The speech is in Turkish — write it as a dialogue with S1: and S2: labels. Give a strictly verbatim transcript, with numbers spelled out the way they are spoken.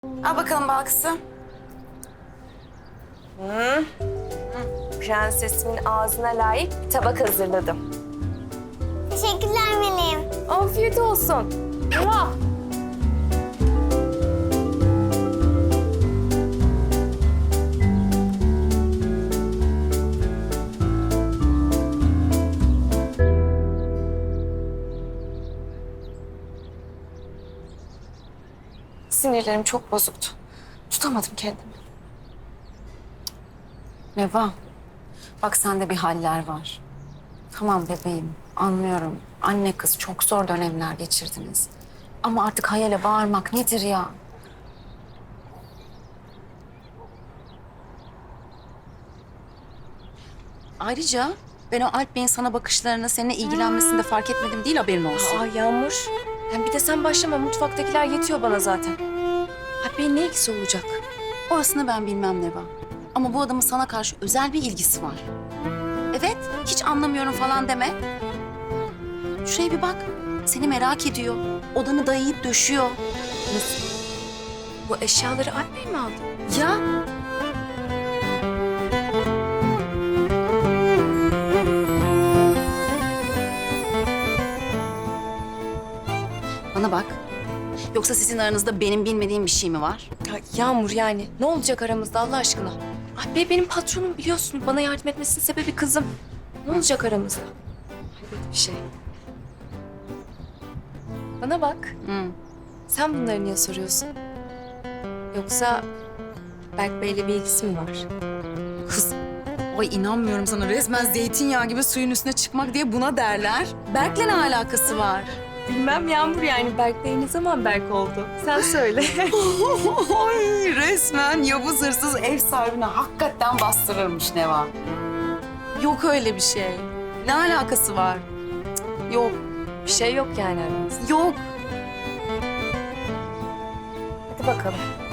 S1: Al bakalım balkısı.
S2: Hı. Prensesimin ağzına layık bir tabak hazırladım.
S3: Teşekkürler Meleğim.
S2: Afiyet olsun. Muah!
S1: Sinirlerim çok bozuktu. Tutamadım kendimi. Neva, bak sende bir haller var. Tamam bebeğim, anlıyorum. Anne kız çok zor dönemler geçirdiniz. Ama artık hayale bağırmak nedir ya? Ayrıca ben o Alp Bey'in sana bakışlarını, seninle ilgilenmesini de fark etmedim değil, haberin olsun.
S2: Aa Yağmur. Hem bir de sen başlama. Mutfaktakiler yetiyor bana zaten. Alp Bey'in ne ilgisi olacak?
S1: Orasını ben bilmem Neva. Ama bu adamın sana karşı özel bir ilgisi var. Evet, hiç anlamıyorum falan deme. Şuraya bir bak. Seni merak ediyor. Odanı dayayıp döşüyor.
S2: Nasıl? Bu eşyaları Alp Bey mi aldı?
S1: Ya bana bak. Yoksa sizin aranızda benim bilmediğim bir şey mi var?
S2: Ya Yağmur yani ne olacak aramızda Allah aşkına? Alp Bey benim patronum biliyorsun. Bana yardım etmesinin sebebi kızım. Ne olacak aramızda? Hayret bir şey. Bana bak.
S1: Hı.
S2: Sen bunları niye soruyorsun? Yoksa Berk Bey'le bir ilgisi mi var?
S1: Kız, ay inanmıyorum sana. Resmen zeytinyağı gibi suyun üstüne çıkmak diye buna derler. Berk'le ne alakası var?
S2: Bilmem Yağmur yani Berk Bey ne zaman Berk oldu? Sen söyle.
S1: Ay resmen Yavuz hırsız ev sahibine hakikaten bastırırmış Neva. Yok öyle bir şey. Ne alakası var? Cık, yok,
S2: Bir şey yok yani aramızda.
S1: yok.
S2: Hadi bakalım.